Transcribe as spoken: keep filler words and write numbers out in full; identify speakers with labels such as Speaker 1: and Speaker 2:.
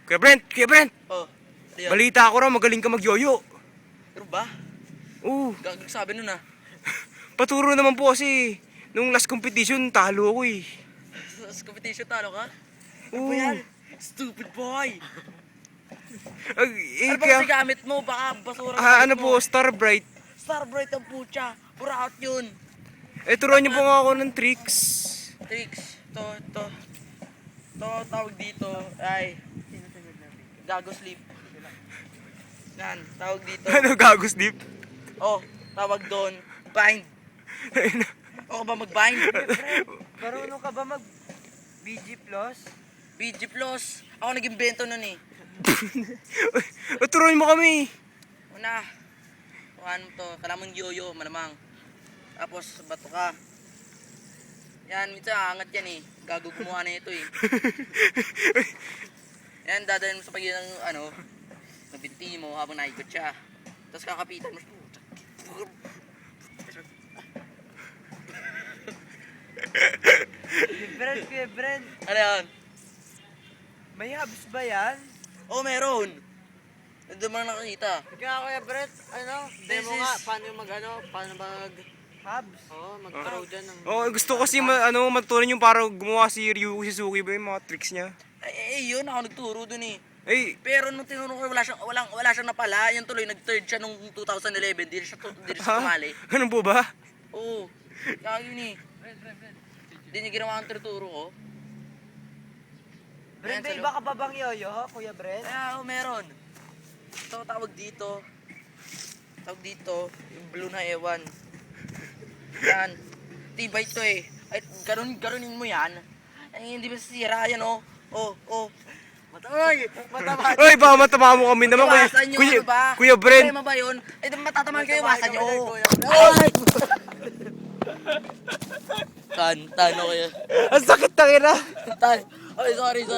Speaker 1: Kuya Brent, Kuya Brent!
Speaker 2: Oh, ano yun?
Speaker 1: Balita ko raw, magaling ka magyoyo.
Speaker 2: Pero ba?
Speaker 1: Oo.
Speaker 2: Gagag sabi nun ah.
Speaker 1: Paturo naman po kasi. Nung last competition, talo ako eh.
Speaker 2: Sa competition talo ka?
Speaker 1: Oo.
Speaker 2: Ano yan? Stupid boy!
Speaker 1: Ag, eh,
Speaker 2: Ano ba
Speaker 1: kaya,
Speaker 2: kasi gamit mo? Baka basura
Speaker 1: ah,
Speaker 2: gamit
Speaker 1: ano
Speaker 2: mo.
Speaker 1: po, Starbright.
Speaker 2: Starbright ang pucha. Pura out yun.
Speaker 1: Eh, turuan niyo po nga ako ng tricks.
Speaker 2: Tricks. To, to. To, tawag dito. Ay. Gago sleep. Yan, tawag dito.
Speaker 1: Ano, gagos deep?
Speaker 2: Oh, tawag doon. Bind. O ba mag-bind?
Speaker 3: Marunong ka ba mag B G Plus?
Speaker 2: B G Plus. Ako nag-imbento nun eh.
Speaker 1: O, turuan mo kami.
Speaker 2: Una. Kuhaan mo to. Kailangan mong yoyo, malamang. Tapos, bato ka. Yan, minsan aangat yan eh. Gago gumawa na ito eh. Yan, dadalhin mo sa pagitan ng ano, ng binti mo habang naikot siya. Tapos kakapitan mo.
Speaker 3: Kuya Brent, Kuya Brent,
Speaker 2: Ano yan?
Speaker 3: may hubs ba yan?
Speaker 2: Oh, meron. Doon mo na nakakita.
Speaker 3: Kaya Kuya Brent, ano, demo
Speaker 2: is-
Speaker 3: nga, paano yung mag, ano, paano mag... Hubs? Oo, mag-throw dyan ng...
Speaker 1: Oh, gusto ko kasi ma, ano, matutunan yung para gumawa si Ryu Suzuki ba yung mga tricks niya.
Speaker 2: Eh, eh, yun, ako nagturo dun eh.
Speaker 1: Eh,
Speaker 2: Pero nung tinuro ko, wala siyang, walang, wala siyang napala. Yan tuloy, nag-third siya nung two thousand eleven. Di na siya, di na siya
Speaker 1: ha?
Speaker 2: tumali.
Speaker 1: Ano po ba?
Speaker 2: Oo. Kaya yun eh. Hindi niya ginawa ang tinuturo ko.
Speaker 3: Brent,
Speaker 2: Ayan,
Speaker 3: may
Speaker 2: sa
Speaker 3: iba ka pa bang yoyo, Kuya Brent?
Speaker 2: Kaya oh, meron. Ito, tawag dito. Tawag dito. Yung blue na ewan. Yan. Tibay to eh. Ay, ganun, ganunin mo yan. Ay, hindi ba sira yan oh. Oh, oh. Matay! Matama.
Speaker 1: Ay, baka matama mo kami naman. Kuya,
Speaker 2: Iwasan nyo,
Speaker 1: kuya,
Speaker 2: ano ba?
Speaker 1: kuya Brent.
Speaker 2: Problema ba yun? Ay, matatamaan kayo, iwasan nyo.
Speaker 3: Kuya
Speaker 2: Ay! Tan, tan, okay.
Speaker 1: Ang sakit na kira.
Speaker 2: Tan. Ay, sorry, sorry.